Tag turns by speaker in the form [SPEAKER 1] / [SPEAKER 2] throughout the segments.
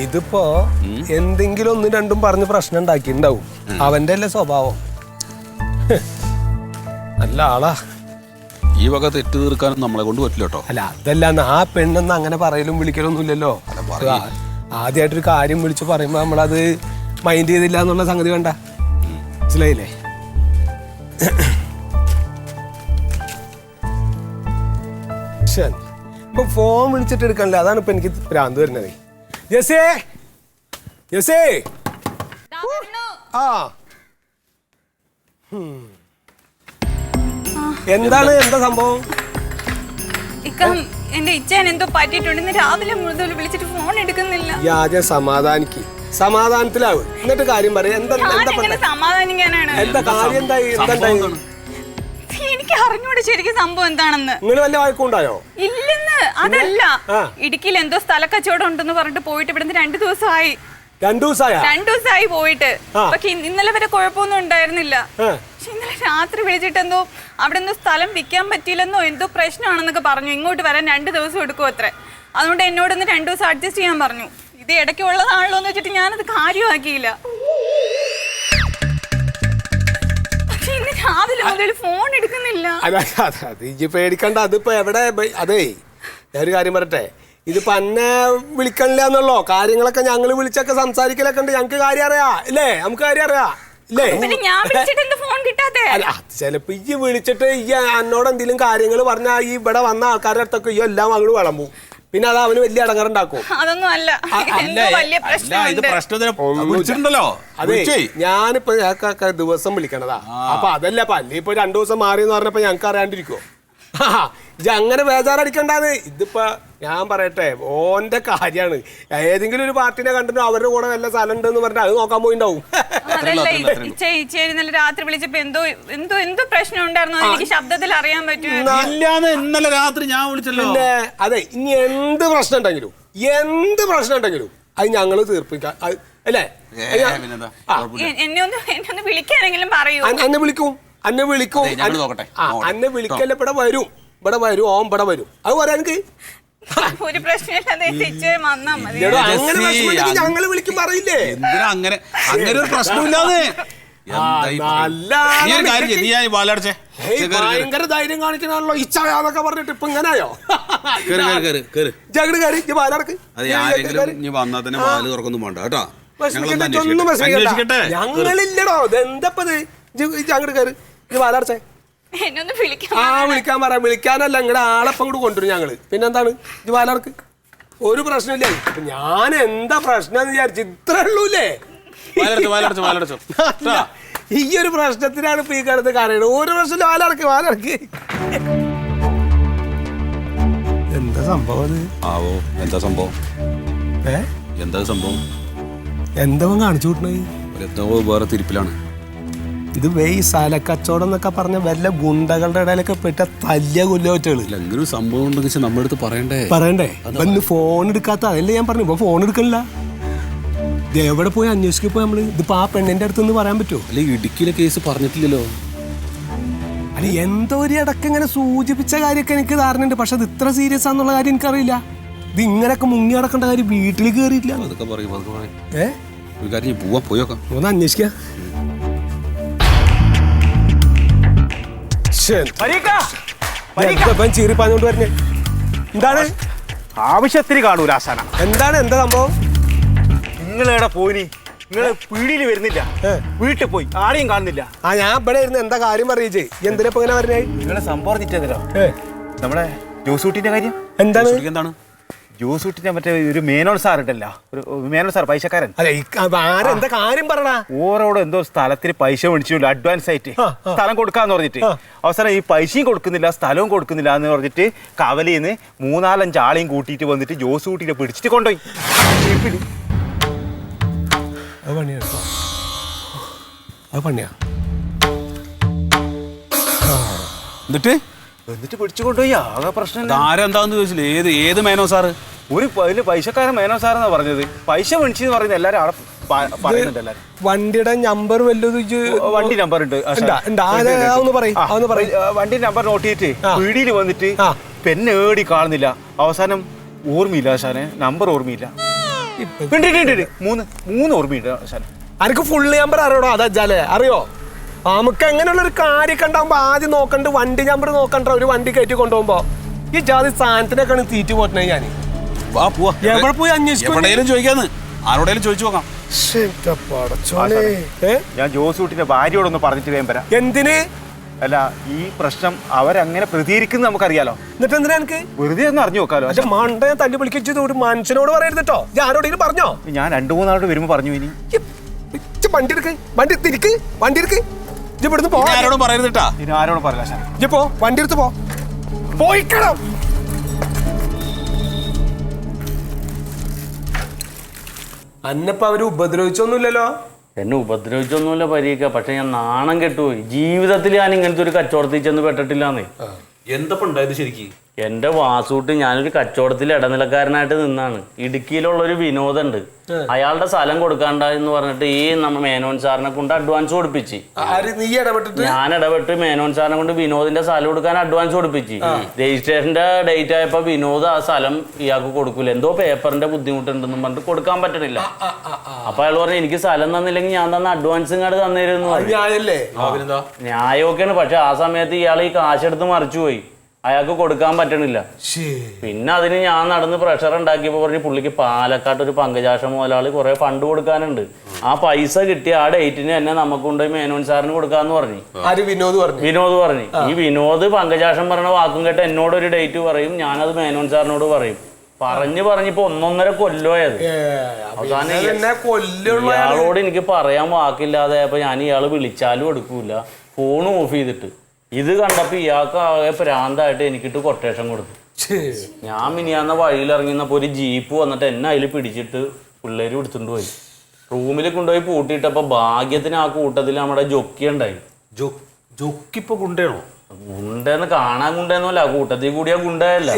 [SPEAKER 1] ഇതിപ്പോ എന്തെങ്കിലും ഒന്നും രണ്ടും പറഞ്ഞ് പ്രശ്നം ഉണ്ടാക്കിണ്ടാവും. അവന്റെ അല്ലേ സ്വഭാവം. നല്ല ആളാ.
[SPEAKER 2] ഈ വക തെറ്റ് തീർക്കാനും നമ്മളെ കൊണ്ട് പറ്റില്ല കേട്ടോ.
[SPEAKER 1] അല്ല അതല്ല, ആ പെണ്ണെന്ന് അങ്ങനെ പറയലും വിളിക്കലൊന്നും ഇല്ലല്ലോ. ആദ്യമായിട്ടൊരു കാര്യം വിളിച്ച് പറയുമ്പോ നമ്മളത് മൈൻഡ് ചെയ്തില്ല എന്നുള്ള സംഗതി വേണ്ട. മനസ്സിലായില്ലേ? ഇപ്പൊ ഫോൺ വിളിച്ചിട്ട് എടുക്കണില്ല. അതാണ് ഇപ്പൊ എനിക്ക് ഭ്രാന്ത് വരുന്നത്. ജെസേ ജെസേ ആ എന്താണ്, എന്താ സംഭവം?
[SPEAKER 3] എന്റെ ഇച്ഛൻ എന്തോ പറ്റിയിട്ടുണ്ട്. രാവിലെ മുതൽ വിളിച്ചിട്ട് ഫോൺ എടുക്കുന്നില്ല.
[SPEAKER 1] ആദ്യം സമാധാനിക്ക്, സമാധാനത്തിലാവും, എന്നിട്ട് കാര്യം പറയാം.
[SPEAKER 3] സമാധാനിക്കാനാണ്.
[SPEAKER 1] എന്താ കാര്യം? എന്തായി?
[SPEAKER 3] എനിക്ക് അറിഞ്ഞൂടെ ശരിക്കും സംഭവം എന്താണെന്ന്.
[SPEAKER 1] നിങ്ങൾ വല്ല വഴക്കുണ്ടായോ?
[SPEAKER 3] ഇല്ലെന്ന്. അതല്ല, ഇടുക്കിയിൽ എന്തോ സ്ഥല കച്ചവടം ഉണ്ടെന്ന് പറഞ്ഞിട്ട് പോയിട്ട് ഇവിടുന്ന് 2 ദിവസമായി.
[SPEAKER 1] 2
[SPEAKER 3] ദിവസമായി പോയിട്ട്. പക്ഷെ ഇന്നലെ വരെ കുഴപ്പമൊന്നും ഉണ്ടായിരുന്നില്ല. പക്ഷെ ഇന്നലെ രാത്രി വിളിച്ചിട്ട് എന്തോ അവിടെ എന്തോ സ്ഥലം വിൽക്കാൻ പറ്റിയില്ലെന്നോ എന്തോ പ്രശ്നമാണെന്നൊക്കെ പറഞ്ഞു. ഇങ്ങോട്ട് വരാൻ 2 ദിവസം എടുക്കും അത്രേ. അതുകൊണ്ട് എന്നോടൊന്ന് 2 ദിവസം അഡ്ജസ്റ്റ് ചെയ്യാൻ പറഞ്ഞു. ഇത് ഇടയ്ക്ക് ഉള്ളതാണല്ലോ എന്ന് വെച്ചിട്ട് ഞാനത് കാര്യമാക്കിയില്ല. പക്ഷെ ഇന്ന് രാവിലെ മുതൽ ഫോൺ എടുക്കുന്നില്ല.
[SPEAKER 1] പേടിക്കണ്ട. അതിപ്പോ എവിടെ? അതേ ഒരു കാര്യം പറയട്ടെ, ഇതിപ്പോ എന്നെ വിളിക്കണില്ല എന്നുള്ളോ. കാര്യങ്ങളൊക്കെ ഞങ്ങൾ വിളിച്ചൊക്കെ സംസാരിക്കലൊക്കെ ഉണ്ട്. ഞങ്ങക്ക് കാര്യം അറിയാ ഇല്ലേ? നമുക്ക് കാര്യം അറിയാ ഇല്ലേ? ചിലപ്പോ ഈ വിളിച്ചിട്ട് ഈ എന്നോട് എന്തെങ്കിലും കാര്യങ്ങൾ പറഞ്ഞാൽ ഈ ഇവിടെ വന്ന ആൾക്കാരുടെ അടുത്തൊക്കെ ഈ എല്ലാം അങ്ങോട്ട് വിളമ്പും. പിന്നെ അത് അവന് വലിയ അടങ്ങറുണ്ടാക്കും.
[SPEAKER 3] അതൊന്നും അല്ല.
[SPEAKER 1] അതെ, ഞാനിപ്പോ ഞങ്ങൾക്കൊക്കെ ദിവസം വിളിക്കണതാ. അപ്പൊ അതല്ല പല്ലി ഇപ്പൊ 2 ദിവസം മാറി എന്ന് പറഞ്ഞപ്പോ ഞങ്ങക്ക് അറിയാണ്ടിരിക്കുവോ? ഇത് അങ്ങനെ ബേജാറടിക്കണ്ടാന്ന്. ഇതിപ്പോ ഞാൻ പറയട്ടെ, ഓന്റെ കാര്യാണ്. ഏതെങ്കിലും ഒരു പാർട്ടിനെ കണ്ടിട്ട് അവരുടെ കൂടെ വല്ല സ്ഥലം ഉണ്ടെന്ന് പറഞ്ഞാൽ അത് നോക്കാൻ പോയിണ്ടാവും.
[SPEAKER 3] രാത്രി വിളിച്ചപ്പോ എന്തോ പ്രശ്നം ഉണ്ടായിരുന്നു. എനിക്ക് ശബ്ദത്തിൽ അറിയാൻ പറ്റും.
[SPEAKER 2] ഇന്നലെ രാത്രി ഞാൻ വിളിച്ചല്ലോ.
[SPEAKER 1] പിന്നെ അതെ, ഇനി എന്ത് പ്രശ്നം ഉണ്ടെങ്കിലും അത് ഞങ്ങള് തീർപ്പിക്കാം അല്ലേ?
[SPEAKER 3] എന്നെ ഒന്ന് വിളിക്കാനെങ്കിലും പറയൂ.
[SPEAKER 1] അന്നെ വിളിക്കും. അന്നെ വിളിക്കല്ല. ഇവിടെ വരും. ഓൻ ഇവിടെ വരും. അത് പറയാൻ എനിക്ക്
[SPEAKER 3] ഒരു പ്രശ്നമില്ലാതെ
[SPEAKER 1] ഞങ്ങള് വിളിക്കും പറയില്ലേ?
[SPEAKER 2] അങ്ങനെ ഒരു പ്രശ്നമില്ലാതെ
[SPEAKER 1] ഭയങ്കര ധൈര്യം കാണിക്കണല്ലോ ഇച്ഛാന്നൊക്കെ പറഞ്ഞിട്ട് ഇപ്പൊ ഇങ്ങനെയോ? ഞങ്ങളില്ലടോ. ഇതെന്തപ്പത്? അങ്ങോട്ട് കയറി വാലടച്ചേ. വിളിക്കാൻ പറയാം. വിളിക്കാനല്ല, നിങ്ങളുടെ ആളെപ്പം കൂടെ കൊണ്ടുവരും ഞങ്ങള്. പിന്നെന്താണ്? ഇത് വാലടക്ക്. ഒരു പ്രശ്നമില്ല. ഞാൻ എന്താ പ്രശ്നം എന്ന് വിചാരിച്ചു. ഇത്രേ ഉള്ളൂല്ലേ? ഈ ഒരു പ്രശ്നത്തിനാണ് ഇപ്പൊ ഈ കിടന്ന് കരയണത്. ഒരു പ്രശ്നം വാലടക്ക്. എന്താ സംഭവം?
[SPEAKER 2] എന്താ സംഭവം?
[SPEAKER 1] എന്താ കാണിച്ചു കൂട്ടണത്?
[SPEAKER 2] വേറെ തിരിപ്പിലാണ്.
[SPEAKER 1] ഇത് ഈ സ്ഥലക്കച്ചവടം എന്നൊക്കെ പറഞ്ഞ വല്ല ഗുണ്ടകളുടെ ഇടയിലൊക്കെ പെട്ട തല്ലിയ കൊല്ലോറ്റുകള്.
[SPEAKER 2] എന്തൊരു സംഭവം ഉണ്ടെന്ന് നമ്മുടെ അടുത്ത് പറയണ്ടേ?
[SPEAKER 1] ഇന്ന് ഫോൺ എടുക്കാത്ത അതല്ലേ ഞാൻ പറഞ്ഞു. ഇപ്പൊ ഫോൺ എടുക്കണില്ല. ഇത് എവിടെ പോയി അന്വേഷിക്കാൻ പോയി നമ്മള്? ഇതിപ്പോ ആ പെണ്ണിന്റെ അടുത്തൊന്ന് പറയാൻ പറ്റുമോ?
[SPEAKER 2] അല്ലെ ഇടുക്കിയിലെ കേസ് പറഞ്ഞിട്ടില്ലല്ലോ.
[SPEAKER 1] അല്ല എന്തോ ഒരു ഇടയ്ക്ക് ഇങ്ങനെ സൂചിപ്പിച്ച കാര്യമൊക്കെ എനിക്ക് ധാരണയുണ്ട്. പക്ഷെ അത് ഇത്ര സീരിയസ് ആണെന്നുള്ള കാര്യം എനിക്കറിയില്ല. ഇത് ഇങ്ങനെയൊക്കെ മുങ്ങി നടക്കേണ്ട കാര്യം വീട്ടിൽ കയറിയിട്ടില്ല.
[SPEAKER 2] അതൊക്കെ പറയും. ഒരു കാര്യം പോയോക്കാം.
[SPEAKER 1] ഒന്ന് അന്വേഷിക്കാം. ചീറിപ്പാഞ്ഞോണ്ട് പറഞ്ഞേ എന്താണ്?
[SPEAKER 4] ആവശ്യത്തിന് കാണൂല ആശാന.
[SPEAKER 1] എന്താ സംഭവം?
[SPEAKER 4] നിങ്ങളെവിടെ പോയി? നിങ്ങള് പീടിയിൽ വരുന്നില്ല, വീട്ടിൽ പോയി ആരെയും കാണുന്നില്ല.
[SPEAKER 1] ഞാൻ ഇവിടെ ഇരുന്ന് എന്താ കാര്യം അറിയിച്ചേ? എന്തിനാ ഇങ്ങനെ പറഞ്ഞേ?
[SPEAKER 4] നിങ്ങളെ സംഭവം പറഞ്ഞിട്ടോ നമ്മളെ ജോസൂട്ടിന്റെ കാര്യം.
[SPEAKER 1] എന്താണ്?
[SPEAKER 4] ജോസൂട്ടിന്റെ മറ്റേ ഒരു മേനോൻ സാർ ഉണ്ടല്ലോ, ഒരു മേനോൻ സാർ പൈസക്കാരൻ.
[SPEAKER 1] എന്താ കാര്യം പറഞ്ഞ?
[SPEAKER 4] ഓരോട് എന്തോ സ്ഥലത്തിന് പൈസ മേടിച്ചില്ല അഡ്വാൻസ് ആയിട്ട് സ്ഥലം കൊടുക്കാന്ന് പറഞ്ഞിട്ട് അവസാനം ഈ പൈസയും കൊടുക്കുന്നില്ല സ്ഥലവും കൊടുക്കുന്നില്ല എന്ന് പറഞ്ഞിട്ട് കവലയിന്ന് 3-4-5 ആളെയും കൂട്ടിയിട്ട് വന്നിട്ട് ജോസൂട്ടിനെ പിടിച്ചിട്ട് കൊണ്ടുപോയി. എന്നിട്ട് പിടിച്ചു കൊണ്ടുപോയി. ആകെ പ്രശ്നം.
[SPEAKER 2] ആരെന്താന്ന് ചോദിച്ചില്ല. ഏത് മേനോ സാറ്?
[SPEAKER 4] ഒരു പൈസക്കാരൻ മേനോ സാറെന്നാ പറഞ്ഞത്. പൈസ മേടിച്ചെന്ന് പറയുന്നത് എല്ലാരും അവിടെ പറയുന്നുണ്ട്. എല്ലാരും
[SPEAKER 1] വണ്ടിയുടെ നമ്പർ
[SPEAKER 4] വണ്ടി നമ്പർ ഉണ്ട്. വണ്ടി നമ്പർ നോട്ട് ചെയ്തിട്ട് പീടിയിൽ വന്നിട്ട് പെന്നെ ഏടി കാണുന്നില്ല. അവസാനം ഓർമ്മയില്ല ആശാനെ, നമ്പർ ഓർമ്മയില്ല. മൂന്ന് ഓർമ്മയുണ്ട് ആശാനെ.
[SPEAKER 1] എനിക്ക് ഫുള്ള് നമ്പർ അറിയണോ അതല്ലേ അറിയോ? നമുക്ക് എങ്ങനെയുള്ള ഒരു കാര്യമൊക്കെ ഉണ്ടാകുമ്പോ ആദ്യം നോക്കണ്ട വണ്ടി നമ്പർ നോക്കണ്ട. ഒരു വണ്ടി കയറ്റി കൊണ്ടുപോകുമ്പോ ഈ ജാതി സാധനത്തിനൊക്കെയാണ് തീറ്റ് പോട്ടണേ. ഞാൻ എവിടെ പോയി അന്വേഷിക്കും
[SPEAKER 2] ചോദിക്കാന്ന് ആരോടേലും ചോദിച്ചു നോക്കാം.
[SPEAKER 4] ഞാൻ ജോസൂട്ടിന്റെ ഭാര്യയോടൊന്ന് പറഞ്ഞിട്ട് വേഗം വരാം.
[SPEAKER 1] എന്തിന്?
[SPEAKER 4] അല്ല, ഈ പ്രശ്നം അവരങ്ങനെ പ്രതികരിക്കുന്നത് നമുക്കറിയാലോ.
[SPEAKER 1] എന്നിട്ട് എന്തിനാ എനിക്ക്
[SPEAKER 4] വെറുതെ ഒന്ന് അറിഞ്ഞു നോക്കാലോ.
[SPEAKER 1] പക്ഷെ മണ്ട തല്ലി വിളിക്കത് ഒരു മനുഷ്യനോട് പറയരുത് കേട്ടോ. ഞാൻ ആരോടെങ്കിലും പറഞ്ഞോ?
[SPEAKER 4] ഞാൻ 2-3 നാളോട് വരുമ്പോ പറഞ്ഞു. ഇനി
[SPEAKER 1] വണ്ടി എടുക്ക്, വണ്ടി തിരിക്ക്, വണ്ടി എടുക്ക്. ഇവിടുന്ന് പോ.
[SPEAKER 2] ആരോടും പറയരുത് കേട്ടാ.
[SPEAKER 4] ഇനി ആരോടും പറയില്ല.
[SPEAKER 1] ഇജ്ജ് പോ, വണ്ടി എടുത്ത് പോ. പോയിക്കണം. അന്നപ്പ അവര് ഉപദ്രവിച്ചൊന്നുമില്ലല്ലോ.
[SPEAKER 5] എന്നെ ഉപദ്രവിച്ചൊന്നുമില്ല പരീക്ക. പക്ഷെ ഞാൻ നാണം കെട്ടുപോയി. ജീവിതത്തിൽ ഞാൻ ഇങ്ങനത്തെ ഒരു കച്ചവടത്തിൽ ചെന്ന് പെട്ടിട്ടില്ലാന്നേ.
[SPEAKER 2] എന്തപ്പോ ഉണ്ടായത് ശരിക്കും?
[SPEAKER 5] എന്റെ വാസൂട്ട് ഞാനൊരു കച്ചവടത്തിൽ ഇടനിലക്കാരനായിട്ട് നിന്നാണ്. ഇടുക്കിയിലുള്ളൊരു വിനോദുണ്ട്. അയാളുടെ സ്ഥലം കൊടുക്കാണ്ടെന്ന് പറഞ്ഞിട്ട് ഈ നമ്മ മേനോൻ സാറിനെ കൊണ്ട് അഡ്വാൻസ് കൊടുപ്പിച്ച്. ഞാൻ ഇടപെട്ട് മേനോൻ സാറിനെ കൊണ്ട് വിനോദിന്റെ സ്ഥലം കൊടുക്കാൻ അഡ്വാൻസ് കൊടുപ്പിച്ച്. രജിസ്ട്രേഷന്റെ ഡേറ്റ് ആയപ്പോ വിനോദ് ആ സ്ഥലം ഇയാൾക്ക് കൊടുക്കൂല. എന്തോ പേപ്പറിന്റെ ബുദ്ധിമുട്ടുണ്ടെന്നും പറഞ്ഞിട്ട് കൊടുക്കാൻ പറ്റണില്ല. അപ്പൊ അയാൾ പറഞ്ഞു എനിക്ക് സ്ഥലം തന്നില്ലെങ്കിൽ ഞാൻ തന്ന അഡ്വാൻസ് ഇങ്ങോട്ട് തന്നിരുന്നു. ന്യായമൊക്കെയാണ്. പക്ഷെ ആ സമയത്ത് ഇയാൾ ഈ കാശെടുത്ത് മറിച്ചുപോയി. അയാൾക്ക് കൊടുക്കാൻ പറ്റണില്ല. പിന്നെ അതിന് ഞാൻ നടന്ന് പ്രഷർ ഉണ്ടാക്കിയപ്പോ പറഞ്ഞ് പുള്ളിക്ക് പാലക്കാട്ട് ഒരു പങ്കജാക്ഷ മുതലാളി കുറെ ഫണ്ട് കൊടുക്കാനുണ്ട്. ആ പൈസ കിട്ടിയ ആ ഡേറ്റിന് തന്നെ നമുക്ക് കൊണ്ടുപോയി മേനോൻ സാറിന് കൊടുക്കാന്ന് പറഞ്ഞു. വിനോദ് പറഞ്ഞു. ഈ വിനോദ് പങ്കജാക്ഷം പറഞ്ഞ വാക്കും കേട്ട് എന്നോട് ഒരു ഡേറ്റ് പറയും, ഞാനത് മേനോൻ സാറിനോട് പറയും. പറഞ്ഞിപ്പോ 1.5 കൊല്ലമായത്. അവസാനം ഇയാളോട് എനിക്ക് പറയാൻ വാക്കില്ലാതെ അപ്പൊ ഞാൻ ഇയാള് വിളിച്ചാലും എടുക്കൂല, ഫോണും ഓഫ് ചെയ്തിട്ട്. ഇത് കണ്ടപ്പോ ഇയാൾക്ക് ആകെ പ്രാന്തായിട്ട് എനിക്കിട്ട് കൊട്ടേഷൻ കൊടുത്തു. ഞാൻ മിനിയാന്ന വഴിയിൽ ഇറങ്ങിയപ്പോ ഒരു ജീപ്പ് വന്നിട്ട് എന്നെ അതിൽ പിടിച്ചിട്ട് പിള്ളേര് എടുത്തുകൊണ്ട് പോയി. റൂമിൽ കൊണ്ടുപോയി പൂട്ടിയിട്ടപ്പോ ഭാഗ്യത്തിന് ആ കൂട്ടത്തിൽ നമ്മുടെ ജൊക്കി ഉണ്ടായി.
[SPEAKER 2] ജൊക്കിപ്പോ ഗുണ്ടയാണോ?
[SPEAKER 5] ഗുണ്ടെന്ന് കാണാൻ ഗുണ്ടെന്നല്ല, കൂട്ടത്തിൽ കൂടിയ ഗുണ്ടയല്ല.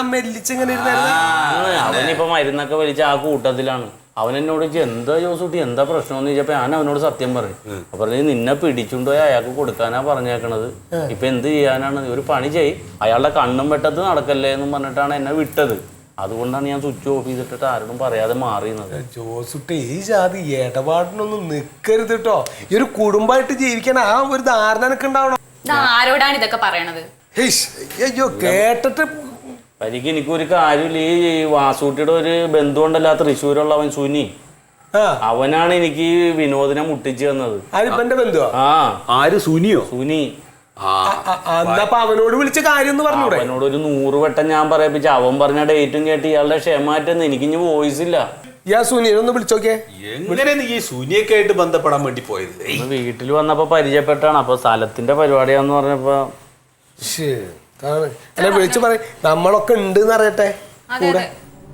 [SPEAKER 5] അവനിപ്പോ മരുന്നൊക്കെ വലിച്ച ആ കൂട്ടത്തിലാണ്. അവൻ എന്നോട് എന്താ ജോസൂട്ടി എന്താ പ്രശ്നം എന്ന് ചോദിച്ചപ്പോ ഞാൻ അവനോട് സത്യം പറയും. അപ്പൊ പറഞ്ഞു നിന്നെ പിടിച്ചുകൊണ്ടുപോയി അയാൾക്ക് കൊടുക്കാനാ പറഞ്ഞേക്കണത്. ഇപ്പൊ എന്ത് ചെയ്യാനാണ്? ഒരു പണി ചെയ്, അയാളുടെ കണ്ണും വെട്ടത്ത് നടക്കല്ലേ എന്നും പറഞ്ഞിട്ടാണ് എന്നെ വിട്ടത്. അതുകൊണ്ടാണ് ഞാൻ സ്വിച്ച് ഓഫ് ചെയ്തിട്ട് ആരോടും പറയാതെ മാറിയുന്നത്.
[SPEAKER 1] ജോസുട്ടി ഈ ജാതി ഇടപാടിനൊന്നും നിക്കരുത് കേട്ടോ. ഈ ഒരു കുടുംബമായിട്ട് ജീവിക്കാൻ ആ ഒരു ധാരണ എനിക്ക് ഉണ്ടാവണം.
[SPEAKER 3] ആരോടാണ് ഇതൊക്കെ പറയണത്?
[SPEAKER 1] അയ്യോ കേട്ടിട്ട്
[SPEAKER 5] എനിക്ക് എനിക്കൊരു കാര്യമില്ല. ഈ വാസൂട്ടിയുടെ ഒരു ബന്ധുണ്ടല്ല തൃശ്ശൂരുള്ള അവൻ സുനി, അവനാണ് എനിക്ക് വിനോദിനെ മുട്ടിച്ചു തന്നത്.
[SPEAKER 2] ആര്? സുനിയോ?
[SPEAKER 5] സുനി.
[SPEAKER 1] അവനോട് വിളിച്ച കാര്യം
[SPEAKER 5] അവനോട് ഒരു 100 വട്ടം ഞാൻ പറയിപ്പിച്ച. അവൻ പറഞ്ഞ ഡേറ്റും കേട്ട് ഇയാളുടെ ക്ഷമാറ്റെന്ന് എനിക്കിഞ്ഞ് വോയിസ് ഇല്ല.
[SPEAKER 1] സുനിയൊന്ന് വിളിച്ചോക്കെ.
[SPEAKER 2] എങ്ങനെയാണ് ഈ സുനിയൊക്കെ ആയിട്ട് ബന്ധപ്പെടാൻ വേണ്ടി പോയത്?
[SPEAKER 5] വീട്ടിൽ വന്നപ്പോ പരിചയപ്പെട്ടാണ്. അപ്പൊ സ്ഥലത്തിന്റെ പരിപാടിയാന്ന് പറഞ്ഞപ്പോ
[SPEAKER 1] അല്ലെ വിളിച്ചു പറ, നമ്മളൊക്കെ ഉണ്ട് അറിയട്ടെ കൂടെ.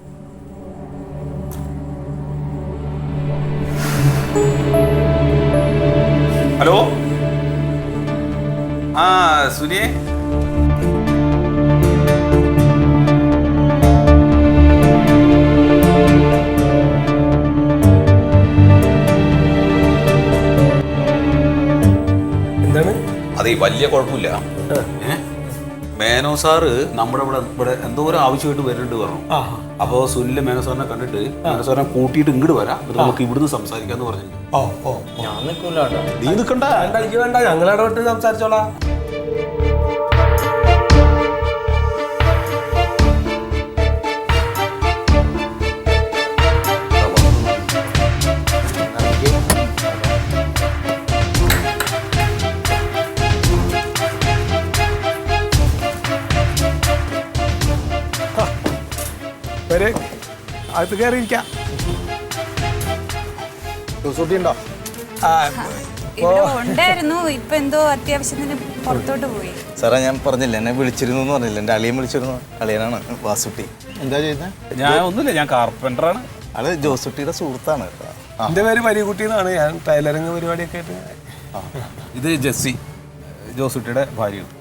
[SPEAKER 2] ഹലോ, ആ സുനിയെ,
[SPEAKER 1] എന്താണ്?
[SPEAKER 2] അതെ, വലിയ കുഴപ്പമില്ല. മേനോ സാറ് നമ്മുടെ ഇവിടെ എന്തോ ഒരു ആവശ്യമായിട്ട് വരുന്നുണ്ട് പറഞ്ഞു. അപ്പൊ സുനില് മേനോ സാറിനെ കണ്ടിട്ട് മേനോ സാറിനെ കൂട്ടിയിട്ട് ഇങ്ങോട്ട് വരാം, നമുക്ക് ഇവിടുന്ന് സംസാരിക്കാന്ന് പറഞ്ഞു.
[SPEAKER 5] ഞാൻ നിൽക്കൂല.
[SPEAKER 2] നീ നിൽക്കണ്ട,
[SPEAKER 1] വേണ്ട, ഞങ്ങളിടപെട്ട് സംസാരിച്ചോളാം. അത് കയറിയിരിക്കാം. ഉണ്ടോ?
[SPEAKER 3] ഉണ്ടായിരുന്നു. ഇപ്പൊ എന്തോ അത്യാവശ്യത്തിന് പുറത്തോട്ട് പോയി.
[SPEAKER 6] സാറേ, ഞാൻ പറഞ്ഞില്ല, എന്നെ വിളിച്ചിരുന്നു എന്ന് പറഞ്ഞില്ല. എൻ്റെ അളിയൻ വിളിച്ചിരുന്നു. അളിയനാണ് വാസുട്ടി. എന്താ ചെയ്യുന്നത്?
[SPEAKER 2] ഞാൻ ഒന്നുമില്ല, ഞാൻ കാർപ്പൻ്ററാണ്.
[SPEAKER 6] അത് ജോസുട്ടിയുടെ സുഹൃത്താണ്.
[SPEAKER 1] എൻ്റെ പേര് മരികുട്ടി എന്നാണ്. ഞാൻ ടൈലറിങ് പരിപാടിയൊക്കെ ആയിട്ട്.
[SPEAKER 2] ഇത് ജെസ്സി, ജോസുട്ടിയുടെ ഭാര്യയാണ്.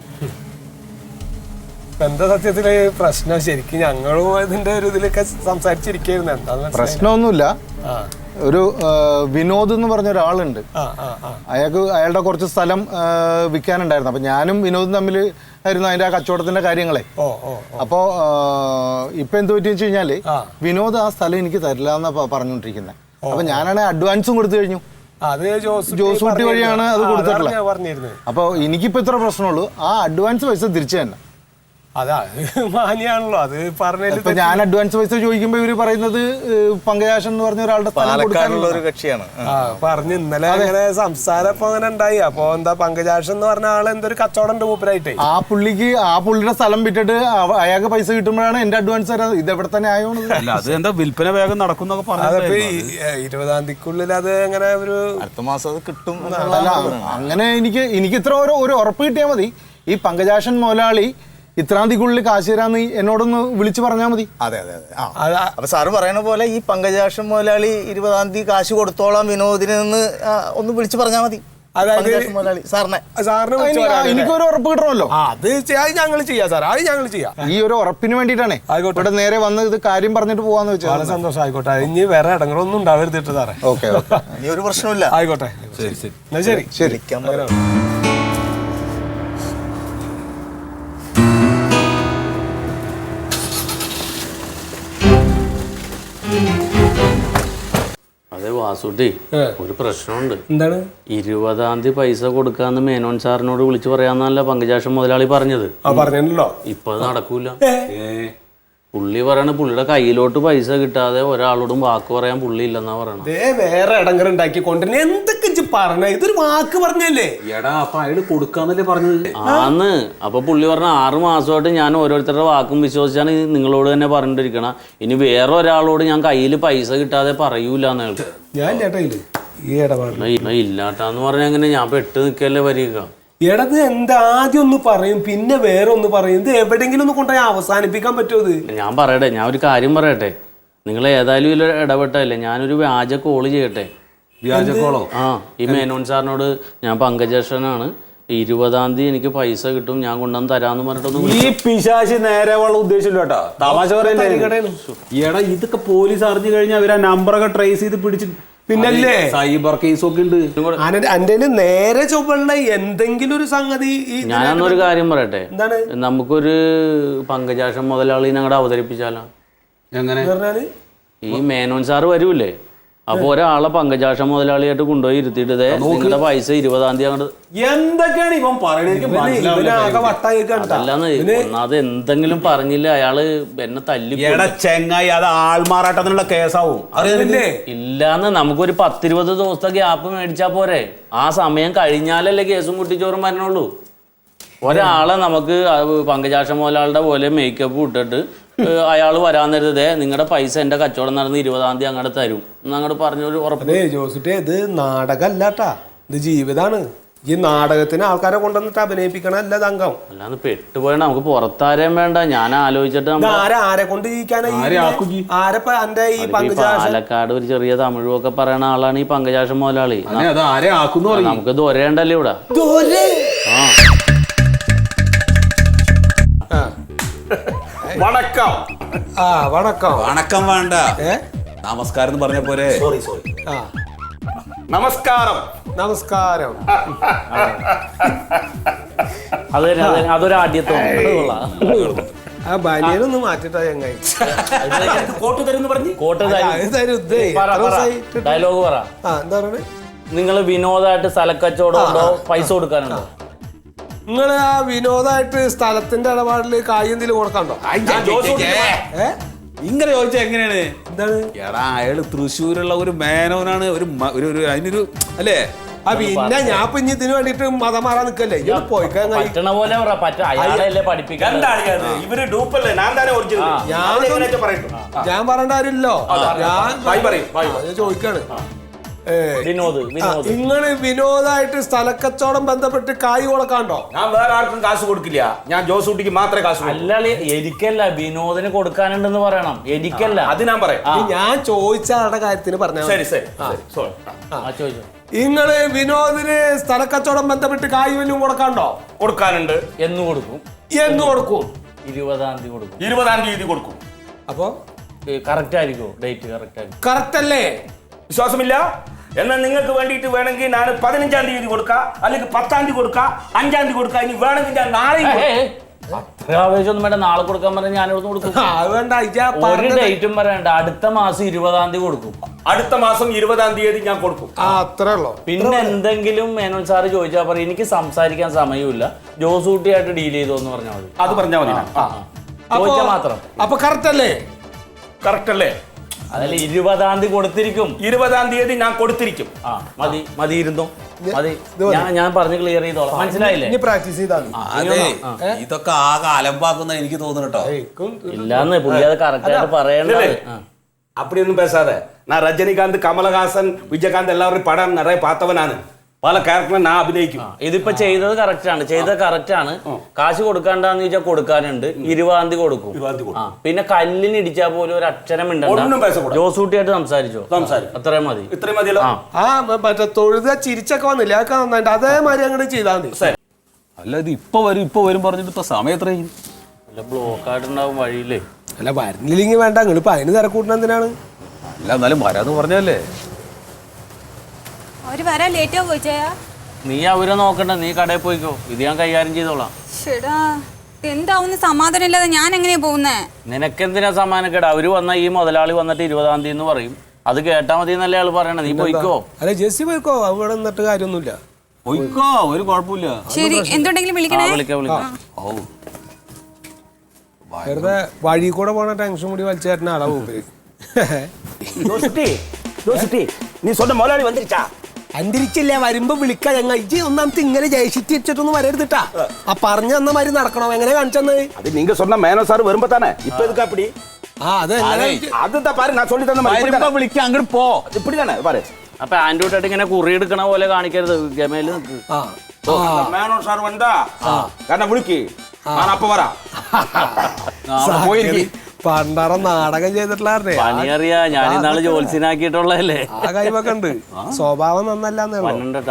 [SPEAKER 1] എന്താ സത്യത്തില് പ്രശ്നം? ശരിക്കും ഞങ്ങളും ഇതിന്റെ ഒരു ഇതിലൊക്കെ സംസാരിച്ചിരിക്കുന്നു. എന്താ
[SPEAKER 6] പ്രശ്നമൊന്നുമില്ല. ഒരു വിനോദ് എന്ന് പറഞ്ഞ ഒരാളുണ്ട്. അയാളുടെ കുറച്ച് സ്ഥലം വിൽക്കാനുണ്ടായിരുന്നു. അപ്പം ഞാനും വിനോദും തമ്മിൽ ആയിരുന്നു അതിൻ്റെ ആ കച്ചവടത്തിൻ്റെ കാര്യങ്ങളെ. അപ്പോൾ ഇപ്പം എന്ത് പറ്റിയെന്ന് വെച്ച് കഴിഞ്ഞാൽ വിനോദ് ആ സ്ഥലം എനിക്ക് തരില്ല എന്നാണ് പറഞ്ഞുകൊണ്ടിരിക്കുന്നത്. അപ്പം ഞാനാണെങ്കിൽ അഡ്വാൻസും കൊടുത്തു കഴിഞ്ഞു. ജോസൂട്ടി വഴിയാണ് അത് കൊടുത്തിട്ടുള്ളത്. അപ്പോൾ എനിക്കിപ്പോൾ ഇത്ര പ്രശ്നമുള്ളൂ, ആ അഡ്വാൻസ് പൈസ തിരിച്ചു തന്നെ.
[SPEAKER 1] അതാ മാനിയാണല്ലോ അത് പറഞ്ഞ.
[SPEAKER 6] ഞാൻ അഡ്വാൻസ് പൈസ ചോദിക്കുമ്പോൾ ഇവര് പറയുന്നത് പങ്കജാശൻ എന്ന് പറഞ്ഞ ഒരാളുടെ
[SPEAKER 4] ഒരു കക്ഷിയാണ്
[SPEAKER 1] പറഞ്ഞു. ഇന്നലെ അങ്ങനെ സംസാരം ഇപ്പൊ അങ്ങനെ ഉണ്ടായി. അപ്പൊ എന്താ പങ്കജാശൻ എന്ന് പറഞ്ഞ ആള് എന്തൊരു കച്ചവടം ഉണ്ട് മൂപ്പരായിട്ട്.
[SPEAKER 6] ആ പുള്ളിയുടെ സ്ഥലം വിറ്റിട്ട് അയാൾക്ക് പൈസ കിട്ടുമ്പോഴാണ് എന്റെ അഡ്വാൻസ് തരാം. ഇത് എവിടെ തന്നെ ആയോണ്ട്
[SPEAKER 2] അത് എന്താ വിൽപ്പന വേഗം നടക്കുന്നൊക്കെ പറഞ്ഞു.
[SPEAKER 1] 20-ാം തീയതിക്കുള്ളിൽ അത് അങ്ങനെ ഒരു
[SPEAKER 6] അടുത്ത മാസം അത് കിട്ടും. അങ്ങനെ എനിക്ക് ഇത്ര ഒരു ഉറപ്പ് കിട്ടിയാൽ മതി. ഈ പങ്കജാശൻ മുതലാളി ഇത്രാം തീയതിക്കുള്ളിൽ കാശ് തരാന്ന് എന്നോടൊന്ന് വിളിച്ചു പറഞ്ഞാൽ മതി.
[SPEAKER 4] അതെ അപ്പൊ സാറ് പറയുന്ന പോലെ ഈ പങ്കജാക്ഷൻ മുതലാളി 20-ാം തീയതി കാശ് കൊടുത്തോളാം വിനോദിനെ നിന്ന് ഒന്ന് വിളിച്ചു പറഞ്ഞാൽ മതി.
[SPEAKER 6] എനിക്കൊരു ഉറപ്പ് കിട്ടണമല്ലോ.
[SPEAKER 1] അത് ഞങ്ങൾ ചെയ്യാം സാർ, അത് ഞങ്ങൾ ചെയ്യാം.
[SPEAKER 6] ഈ ഒരു ഉറപ്പിന് വേണ്ടിട്ടാണേ ഇവിടെ നേരെ വന്ന് ഇത് കാര്യം പറഞ്ഞിട്ട് പോവാന്ന് വെച്ചാൽ
[SPEAKER 1] വളരെ സന്തോഷം. ആയിക്കോട്ടെ, ഇനി വേറെ ഇടങ്ങളൊന്നും ഉണ്ടാവരുതിട്ട് സാറേ.
[SPEAKER 6] ഓക്കെ
[SPEAKER 4] ഇനി ഒരു പ്രശ്നമില്ല.
[SPEAKER 1] ആയിക്കോട്ടെ, ശരി
[SPEAKER 6] ശരി.
[SPEAKER 5] അതെ വാസുട്ടി, ഒരു പ്രശ്നമുണ്ട്.
[SPEAKER 1] എന്താണ്?
[SPEAKER 5] 20-ാം തീയതി പൈസ കൊടുക്കാന്ന് മേനോൻ സാറിനോട് വിളിച്ചു പറയാന്നല്ല പങ്കജാക്ഷൻ മുതലാളി പറഞ്ഞത്.
[SPEAKER 1] പറഞ്ഞല്ലോ.
[SPEAKER 5] ഇപ്പൊ അത് നടക്കൂല. പുള്ളി പറയണ പുള്ളിയുടെ കയ്യിലോട്ട് പൈസ കിട്ടാതെ ഒരാളോടും വാക്ക് പറയാൻ പുള്ളി ഇല്ലെന്നാ പറയണത്.
[SPEAKER 1] വേറെ ഇടങ്ങളുണ്ടാക്കി കൊണ്ടുവരുന്ന എന്തൊക്കെ പറഞ്ഞ ഇതൊരു വാക്ക് പറഞ്ഞല്ലേ.
[SPEAKER 2] എടാ അപ്പൊ അയാള് കൊടുക്കാന്നല്ലേ പറഞ്ഞത്.
[SPEAKER 5] ആന്ന്. അപ്പൊ പുള്ളി പറഞ്ഞ 6 മാസമായിട്ട് ഞാൻ ഓരോരുത്തരുടെ വാക്കും വിശ്വസിച്ചാണ് നിങ്ങളോട് തന്നെ പറഞ്ഞിട്ടിരിക്കണം. ഇനി വേറെ ഒരാളോട് ഞാൻ കയ്യിൽ പൈസ കിട്ടാതെ പറയൂലെന്ന് കേട്ടു.
[SPEAKER 1] ഞാൻ ചേട്ടാ ഈ ഇടപാട്
[SPEAKER 5] ഇല്ലാട്ടാന്ന് പറഞ്ഞ എങ്ങനെ ഞാൻ പെട്ട് നിൽക്കല്ലേ വരിക.
[SPEAKER 1] ഇടത് എന്താ ആദ്യം ഒന്ന് പറയും പിന്നെ വേറെ ഒന്ന് പറയും. ഇത് എവിടെയെങ്കിലും ഒന്ന് കൊണ്ടുപോയി അവസാനിപ്പിക്കാൻ പറ്റുമോ?
[SPEAKER 5] ഞാൻ പറയട്ടെ, ഞാൻ ഒരു കാര്യം പറയട്ടെ. നിങ്ങൾ ഏതായാലും ഇതിൽ ഇടപെട്ടല്ലേ, ഞാനൊരു വ്യാജ കോള് ചെയ്യട്ടെ.
[SPEAKER 2] വ്യാജ കോളോ?
[SPEAKER 5] ഈ മേനോൻ സാറിനോട് ഞാൻ പങ്കജാക്ഷനാണ്, 20-ാം തീയതി എനിക്ക് പൈസ കിട്ടും, ഞാൻ കൊണ്ടുവന്ന് തരാന്ന് പറഞ്ഞിട്ടൊന്നും.
[SPEAKER 2] ഈ പിശാചി നേരെ ഉള്ള ഉദ്ദേശമില്ല കേട്ടോ, തമാശ പറയല്ലേ. എടാ ഇതൊക്കെ പോലീസ് അറിഞ്ഞു കഴിഞ്ഞാൽ അവര് ആ നമ്പറൊക്കെ ട്രേസ് ചെയ്ത് പിടിച്ച് പിന്നല്ലേ സൈബർ കേസൊക്കെ ഉണ്ട്.
[SPEAKER 1] അന്റെ നേരെ ചൊവ്വുള്ള എന്തെങ്കിലും ഒരു സംഗതി.
[SPEAKER 5] ഞാനൊന്നൊരു കാര്യം പറയട്ടെ, നമുക്കൊരു പങ്കജാക്ഷൻ മുതലാളി ഞങ്ങളുടെ അവതരിപ്പിച്ചാലോ?
[SPEAKER 2] എങ്ങനെ?
[SPEAKER 5] ഈ മേനോൻ സാറ് വരൂലേ, അപ്പൊ ഒരാളെ പങ്കജാക്ഷൻ മുതലാളിയായിട്ട് കൊണ്ടുപോയി ഇരുത്തിയിട്ട് നിങ്ങളുടെ പൈസ 20-ാം തീയതി അങ്ങോട്ട്.
[SPEAKER 2] എന്തൊക്കെയാണ് ഇവൻ
[SPEAKER 5] അല്ലാന്ന് ഒന്നാമത് എന്തെങ്കിലും പറഞ്ഞില്ല അയാള് എന്നെ തല്ലി.
[SPEAKER 2] ചെങ്ങായി അത് ആൾമാറാട്ടത്തിനുള്ള കേസാവും.
[SPEAKER 5] ഇല്ലാന്ന് നമുക്കൊരു 10-20 ദിവസത്തെ ഗ്യാപ്പ് മേടിച്ചാ പോരെ. ആ സമയം കഴിഞ്ഞാലല്ലേ കേസും കുട്ടിച്ചോറും വരണുള്ളൂ. ഒരാളെ നമുക്ക് പങ്കജാക്ഷൻ മുതലാളുടെ പോലെ മേക്കപ്പ് ഇട്ടിട്ട് അയാൾ വരാൻ നേരത്തെ നിങ്ങളുടെ പൈസ എന്റെ കച്ചവടം നടന്ന് 20-ാം തീയതി അങ്ങോട്ട് തരും എന്നങ്ങോട്ട് പറഞ്ഞൊരു ഉറപ്പ്.
[SPEAKER 1] ജോസിറ്റേ, ഇത് നാടകമല്ലാട്ടാ, ഇത് ജീവിതമാണ്. ഈ നാടകത്തിന് ആൾക്കാരെ കൊണ്ടുവന്നിട്ട് അഭിനയിപ്പിക്കണല്ല തങ്കം.
[SPEAKER 5] അല്ലാന്ന് പെട്ടുപോയ നമുക്ക് പുറത്താരേം വേണ്ട. ഞാൻ ആലോചിച്ചിട്ട്
[SPEAKER 1] ആരെ കൊണ്ട്
[SPEAKER 5] പാലക്കാട് ഒരു ചെറിയ തമിഴും ഒക്കെ പറയണ ആളാണ് ഈ പങ്കജാക്ഷൻ മുതലാളി. നമുക്ക് ദൊരേണ്ടല്ലേ ഇവിടെ.
[SPEAKER 2] വണക്കം.
[SPEAKER 1] വണക്കം.
[SPEAKER 2] വണക്കം വേണ്ട, നമസ്കാരം എന്ന് പറഞ്ഞ പോരെ.
[SPEAKER 1] നമസ്കാരം. നമസ്കാരം.
[SPEAKER 5] അതൊരു ആദ്യത്തെ
[SPEAKER 1] ആ ബനിയനൊന്ന് മാറ്റിട്ടാ ചങ്ങായി.
[SPEAKER 5] കോട്ട് തരും പറഞ്ഞു. കോട്ട് ഡയലോഗ് പറ.
[SPEAKER 1] എന്താ പറയണേ?
[SPEAKER 5] നിങ്ങള് വിനോദമായിട്ട് സ്ഥലക്കച്ചവടം ഉണ്ടോ, പൈസ കൊടുക്കാനുണ്ടോ?
[SPEAKER 1] നിങ്ങള് ആ വിനോദമായിട്ട് സ്ഥലത്തിന്റെ ഇടപാടില് കായ് എന്തെങ്കിലും കൊടുക്കണ്ടോ?
[SPEAKER 2] ഇങ്ങനെ ചോദിച്ചാ എങ്ങനെയാണ്? എന്താണ്? എടാ അയാള് തൃശ്ശൂരുള്ള ഒരു മേനോനാണ്. ഒരു അതിനൊരു അല്ലേ?
[SPEAKER 1] പിന്നെ ഞാൻ ഇനി ഇതിന് വേണ്ടിട്ട് മതം മാറാൻ നിക്കല്ലേ.
[SPEAKER 5] പറ്റണ പോലെ പഠിപ്പിക്കാൻ.
[SPEAKER 1] ഞാൻ പറയേണ്ട കാര്യമില്ലല്ലോ. ഞാൻ ചോദിക്കാണ്, നിങ്ങള് വിനോദമായിട്ട് സ്ഥലക്കച്ചവടം ബന്ധപ്പെട്ട് കായ് കൊടുക്കാണ്ടോ?
[SPEAKER 2] ഞാൻ വേറെ ആർക്കും കാശ് കൊടുക്കില്ല. ഞാൻ ജോസൂട്ടിക്ക് മാത്രമേ കാശ്.
[SPEAKER 5] അല്ല എനിക്കല്ല, വിനോദിന് കൊടുക്കാനുണ്ടെന്ന് പറയണം. എനിക്കല്ല,
[SPEAKER 2] അത് ഞാൻ പറയാം.
[SPEAKER 1] ഞാൻ ചോദിച്ച ആളുടെ കാര്യത്തിന് പറഞ്ഞ.
[SPEAKER 2] ശരി.
[SPEAKER 1] നിങ്ങള് വിനോദിന് സ്ഥലക്കച്ചവടം ബന്ധപ്പെട്ട് കായ് വല്ലതും കൊടുക്കാണ്ടോ?
[SPEAKER 2] കൊടുക്കാനുണ്ട്.
[SPEAKER 5] എന്ന് കൊടുക്കും.
[SPEAKER 2] 20-ാം തീയതി കൊടുക്കും. 20-ാം തീയതി കൊടുക്കും.
[SPEAKER 1] അപ്പൊ
[SPEAKER 5] കറക്റ്റ് ആയിരിക്കും? ഡേറ്റ് കറക്റ്റ് ആയിരിക്കും?
[SPEAKER 1] കറക്റ്റ് അല്ലേ?
[SPEAKER 7] വിശ്വാസമില്ല? എന്നാൽ നിങ്ങൾക്ക് വേണ്ടിയിട്ട് വേണമെങ്കിൽ ഞാൻ 15-ാം തീയതി കൊടുക്കാം, അല്ലെങ്കിൽ 10-ാം തീയതി കൊടുക്കാം, 5-ാം തീയതി കൊടുക്കാം. ഇനി വേണമെങ്കിൽ ഞാൻ നാളെ
[SPEAKER 5] അത്ര ആവേശമൊന്നും വേണ്ട. നാളെ കൊടുക്കാൻ പറഞ്ഞാൽ ഞാനിവിടുന്ന് കൊടുക്കും.
[SPEAKER 1] അത് വേണ്ട,
[SPEAKER 5] ഒരു ഡേറ്റും പറയണ്ട. അടുത്ത മാസം 20-ാം തീയതി കൊടുക്കും.
[SPEAKER 7] അടുത്ത മാസം 20-ാം തീയതി ഞാൻ കൊടുക്കും.
[SPEAKER 1] അത്രേ ഉള്ളൂ.
[SPEAKER 5] പിന്നെ എന്തെങ്കിലും മേനോൻ സാറ് ചോദിച്ചാൽ പറയും എനിക്ക് സംസാരിക്കാൻ സമയമില്ല, ജോസൂട്ടിയായിട്ട് ഡീൽ ചെയ്തോന്ന് പറഞ്ഞാൽ മതി.
[SPEAKER 7] അത് പറഞ്ഞാൽ മതി.
[SPEAKER 5] ചോദിച്ചാൽ മാത്രം.
[SPEAKER 1] അപ്പൊ കറക്റ്റ് അല്ലേ?
[SPEAKER 7] കറക്റ്റ് അല്ലേ?
[SPEAKER 5] അതല്ല, 20-ാം തീയതി കൊടുത്തിരിക്കും.
[SPEAKER 7] 20-ാം തീയതി ഞാൻ കൊടുത്തിരിക്കും.
[SPEAKER 5] മതി മതി, ഇരുന്നോ മതി. ഞാൻ പറഞ്ഞ് ക്ലിയർ ചെയ്തോളാം. മനസ്സിലായില്ലേ?
[SPEAKER 1] ഇനി പ്രാക്ടീസ് ചെയ്താൽ
[SPEAKER 2] അതെ, ഇതൊക്കെ ആകെ അലമ്പാക്കുന്ന എനിക്ക് തോന്നുന്നു കേട്ടോ.
[SPEAKER 5] ഇല്ലാന്ന് പുള്ളി അത് കറക്റ്റ് ആയിട്ട് പറയണ്ടേ.
[SPEAKER 7] அப்படிയൊന്നും பேசாத. நான் ரஜினிகாந்த், கமலஹாசன், விஜயகாந்த் எல்லாரும் படம் நிறைய பார்த்தவனானு. പല ക്യാരക്ടറും ഞാൻ അഭിനയിക്കും.
[SPEAKER 5] ഇതിപ്പോ ചെയ്തത് കറക്റ്റ് ആണ്, ചെയ്തത് കറക്റ്റ് ആണ്. കാശ് കൊടുക്കാണ്ടെന്ന് ചോദിച്ചാൽ കൊടുക്കാനുണ്ട്. 20-ാം തീയതി കൊടുക്കും. പിന്നെ കല്ലിന് ഇടിച്ചാൽ പോലും ഒരു അക്ഷരം ഉണ്ടോ. ജോസൂട്ടിയായിട്ട് സംസാരിച്ചോ? അത്രയും മതി.
[SPEAKER 7] ഇത്രയും മതിയല്ലോ.
[SPEAKER 1] മറ്റേ തൊഴുത ചിരിച്ചൊക്കെ വന്നില്ല, അതൊക്കെ നന്നായിട്ട് അതേമാതിരി അങ്ങോട്ട് ചെയ്താൽ മതി.
[SPEAKER 2] അല്ല, ഇത് ഇപ്പൊ വരും പറഞ്ഞിട്ട് ഇപ്പൊ സമയം എത്രയും
[SPEAKER 5] ബ്ലോക്ക് ആയിട്ടുണ്ടാവും വഴിയില്ലേ.
[SPEAKER 1] അല്ല, വരുന്നില്ലെങ്കിൽ വേണ്ട, നിങ്ങളിപ്പോ അതിന് തിരക്കൂട്ടണ എന്തിനാണ്?
[SPEAKER 2] അല്ല, എന്നാലും വരാന്ന് പറഞ്ഞല്ലേ.
[SPEAKER 8] അവര് വരാൻ ലേറ്റ് ആവോ ചേയാ?
[SPEAKER 5] നീ അവരെ നോക്കണ്ട, നീ കടയിൽ പോയിക്കോ. ഇത് ഞാൻ കൈകാര്യം ചെയ്തോളാം.
[SPEAKER 8] ചേടാ, എന്താവുന്ന സമാധാനം ഇല്ലാതെ ഞാൻ എങ്ങനെയാ പോകുന്നേ?
[SPEAKER 5] നിനക്കെന്തിനാ സമാധാനക്കേട്? അവര് വന്ന ഈ മുതലാളി വന്നിട്ട് 20-ാം തീയതി എന്ന് പറയും. അത് കേട്ടാ മതി എന്നല്ലേ ആള് പറയണേ. നീ പോയിക്കോ.
[SPEAKER 1] അല്ല, ജെസ്സി പോയിക്കോ, അവിടെ നിന്നിട്ട് കാര്യമൊന്നുമില്ല.
[SPEAKER 2] പോയിക്കോ, ഒരു കുഴപ്പമില്ല.
[SPEAKER 8] ശരി, എന്തുണ്ടെങ്കിലും വിളിക്കണേ.
[SPEAKER 5] വിളിക്കാം.
[SPEAKER 1] വെറുതെ വഴി കൂടെ പോണ ടെൻഷൻ കൂടി വലിച്ചു തരുന്ന ആളാ മൂപ്പര്.
[SPEAKER 7] നീ സ്വന്തം മുതലാളി വന്നിരിച്ചാ?
[SPEAKER 1] അന്തരിച്ചില്ല, വരുമ്പോ വിളിക്കാ. ഞങ്ങൾ ഇജ്ജ് ഒന്നാമത്തെ ഇങ്ങനെ ജയിച്ചിട്ട് വെച്ചിട്ടൊന്നും വരരുതിട്ടാ. ആ പറഞ്ഞു തന്ന മാതിരി നടക്കണോ? എങ്ങനെ കാണിച്ചെന്ന്?
[SPEAKER 7] അത് നിങ്ങൾ സ്വന്തം മേനോ സാർ വരുമ്പോ തന്നെ. ഇപ്പൊ എതുക്കാ പിടി?
[SPEAKER 1] അത്
[SPEAKER 7] അതെന്താ പാரு, ഞാൻ சொல்லி തന്ന
[SPEAKER 2] വിളിക്കാം, അങ്ങോട്ട് പോ.
[SPEAKER 7] ഇപ്പിടി തന്നെ പാரு.
[SPEAKER 5] അപ്പൊ ആൻഡ്രോട്ടായിട്ട് ഇങ്ങനെ കുറി എടുക്കണ പോലെ കാണിക്കരുത്. ഗമയില് നിൽക്ക്.
[SPEAKER 7] മേനോ സാർ വന്നാ കാരണം വിളിക്ക്, ഞാൻ അപ്പൊ വരാം.
[SPEAKER 1] പണ്ടാറ നാടകം ചെയ്തിട്ടുള്ളായിരുന്നേ.
[SPEAKER 5] പണിയറിയാ, ഞാൻ ഇന്നാള് ജോത്സ്യനാക്കിയിട്ടുള്ളതല്ലേ.
[SPEAKER 1] ആ കൈവൊക്കെ ഉണ്ട്. സ്വഭാവം നന്നല്ലാന്നേ.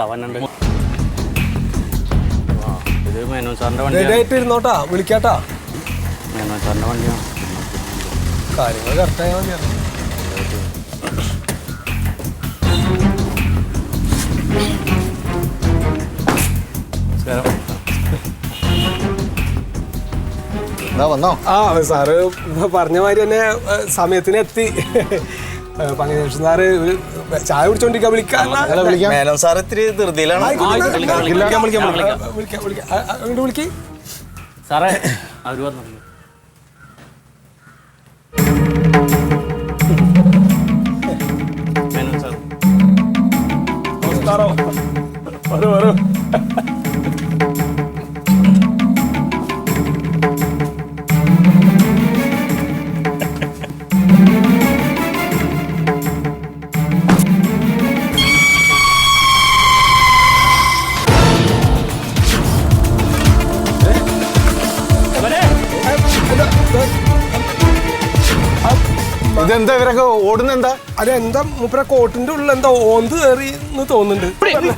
[SPEAKER 5] ഇത് മേനോൻ സാറിന്റെ വണ്ടിയാണ്.
[SPEAKER 1] ഇരുന്നോട്ടാ, വിളിക്കാട്ടാ.
[SPEAKER 5] മേനോൻ സാറിന്റെ വണ്ടിയാണ്.
[SPEAKER 1] കാര്യങ്ങൾ കറക്റ്റായാൽ മതിയാണ്.
[SPEAKER 6] വന്നോ?
[SPEAKER 1] ആ സാറ് പറഞ്ഞ മാതിരി തന്നെ സമയത്തിന് എത്തി. പങ്കജേഷൻ സാറ് ഒരു ചായ കുടിച്ചോണ്ടിരിക്കാൻ വിളിക്കാം.
[SPEAKER 4] മേനോൻ സാർ ഇത്തിരി ധൃതിയിലാണ്.
[SPEAKER 1] അങ്ങോട്ട് വിളിക്ക്
[SPEAKER 5] സാറേ. അവര് വന്നു. മേനോൻ സാർ
[SPEAKER 7] നമസ്കാരം. വരൂ വരൂ.
[SPEAKER 6] ഇതെന്താ ഇവരൊക്കെ ഓടുന്നെന്താ?
[SPEAKER 1] അതെന്താ മൂപ്പര കോട്ടിന്റെ ഉള്ളിൽ എന്താ ഓന്ത് കയറി എന്ന് തോന്നുന്നുണ്ട്.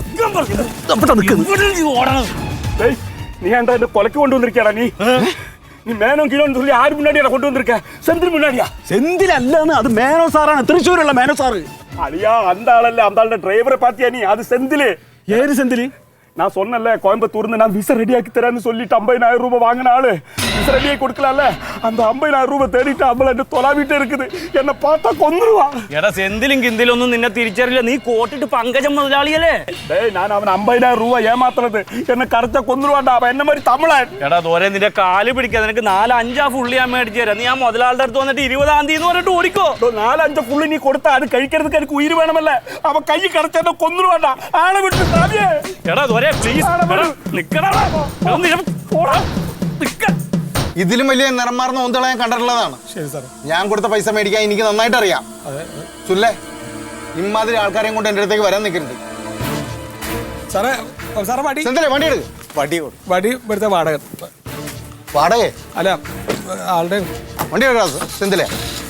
[SPEAKER 7] நீ ஏன்டா இந்த கொலைக்கு கொண்டு வந்திருக்கியாடா? நீ மேனோன் கிலோன்னு சொல்லி யாரு முன்னாடியா கொண்டு வந்திருக்க? செந்தில் முன்னாடியா?
[SPEAKER 9] செந்தில் அல்லன்னு அது மேனோ சாரான திருச்சூருள்ள மேனோ சாரு.
[SPEAKER 7] அழியா, அந்த ஆளல்ல, அந்த ஆளோட டிரைவரை பாத்தியா நீ? அது செந்தில்.
[SPEAKER 9] ஏறு செந்தில்.
[SPEAKER 7] நான் சொன்னல கோயம்புத்தூர்ந்து நான் விச ரெடியாக்கி தரேன்னு சொல்லிட்டு 50,000 ரூபாய் வாங்கின ஆளு விச ரெடியாக்கி கொடுக்கலாம்ல. அந்த 50,000 ரூபாய் தேடிட்டு அம்பள എന്നെ തൊലാവിട്ട് இருக்குது. എന്നെ பார்த்தா കൊന്നുവാ.
[SPEAKER 5] എടാ, സെന്തിലും കിന്തിലൊന്നും നിന്നെ തിരിച്ചറിയില്ല. നീ കോട്ടിട്ട് പങ്കജം മുതലാളിയല്ലേ?
[SPEAKER 7] டேய், நான் அவன் 50,000 ரூபாய் ஏமாத்துறது. എന്നെ കറച്ച കൊന്നുവാണ്ടാ. അവൻ എന്നെ மாதிரி തമിഴൻ.
[SPEAKER 5] എടാ ദോരെ, നിന്റെ കാല് പിടിക്കാൻ നിനക്ക് 4-5 ഫുള്ളി ഞാൻ മേടിച്ചു തരാം. നീ ആ മുതലാളുടെ അടുത്ത് വന്നിട്ട് 20-ാം തീയതി എന്ന് പറഞ്ഞിട്ട് ഓടിക്കോ.
[SPEAKER 7] 4-5 ഫുള്ളി നീ കൊടുത്താ അത് കഴിக்கிறதுக்கு എനിക്ക് ഉയിര് വേണമല്ലേ? അവൻ കൈ കടച്ചെന്നെ കൊന്നുവാണ്ടാ. ആളെ വിട്ട് സാവിയേ.
[SPEAKER 5] എടാ ദോരെ, പ്ലീസ് നിക്കടാ.
[SPEAKER 6] ഇതിലും വലിയ നിറം മാറുന്ന ഓന്തളെ ഞാൻ കണ്ടിട്ടുള്ളതാണ്. ഞാൻ കൊടുത്ത പൈസ മേടിക്കാൻ എനിക്ക് നന്നായിട്ട് അറിയാം. സുല്ലേ, ഇമാതിരി ആൾക്കാരെയും കൊണ്ട് എൻ്റെ അടുത്തേക്ക് വരാൻ നിൽക്കരുത്.
[SPEAKER 1] സാറേ, സാറേ വടി
[SPEAKER 6] വണ്ടി എടുക്ക്.
[SPEAKER 1] വടി ഇവിടുത്തെ വാടക.
[SPEAKER 6] വാടക
[SPEAKER 1] അല്ല, ആളുടെ
[SPEAKER 6] വണ്ടി എടുക്കാം സെന്തിലെ.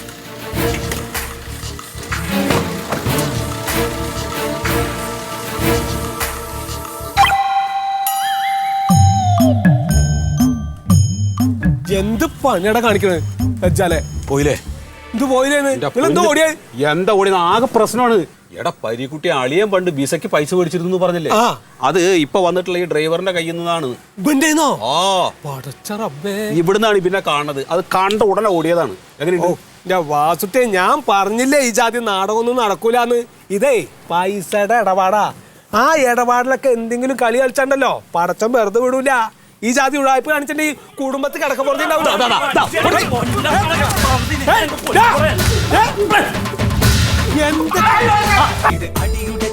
[SPEAKER 1] എന്ത് പണിയടാ കാണിക്കണേ വെച്ചാലേ?
[SPEAKER 2] പോയില്ലേ?
[SPEAKER 1] ഇത് പോയില്ലേന്ന്? എന്താ ഓടിയത്?
[SPEAKER 2] എന്താ ഓടിയത്? ആകെ പ്രശ്നമാണ്. എടാ പരിക്കുട്ടി അളിയൻ പണ്ട് വിസയ്ക്ക് പൈസ മേടിച്ചിരുന്നു പറഞ്ഞില്ലേ അത് ഇപ്പൊ വന്നിട്ടുള്ള ഈ ഡ്രൈവറിന്റെ കയ്യിൽ നിന്നാണ്. ഇവിടുന്നാണ് പിന്നെ കാണുന്നത്. അത് കണ്ട ഉടനെ ഓടിയതാണ്. എങ്ങനെയുണ്ട്
[SPEAKER 1] വാസുട്ടെ? ഞാൻ പറഞ്ഞില്ലേ ഈ ജാതി നാടകമൊന്നും നടക്കൂലെന്ന്. ഇതേ പൈസയുടെ ഇടപാടാ. ആ ഇടപാടിലൊക്കെ എന്തെങ്കിലും കളി കളിച്ചാണ്ടല്ലോ പടച്ചം വെറുതെ വിടൂല. ഈ ജാതി ഉഴായ്പ കാണിച്ചിട്ടുണ്ടെങ്കിൽ കുടുംബത്തിൽ കിടക്ക
[SPEAKER 10] അടിയുടെ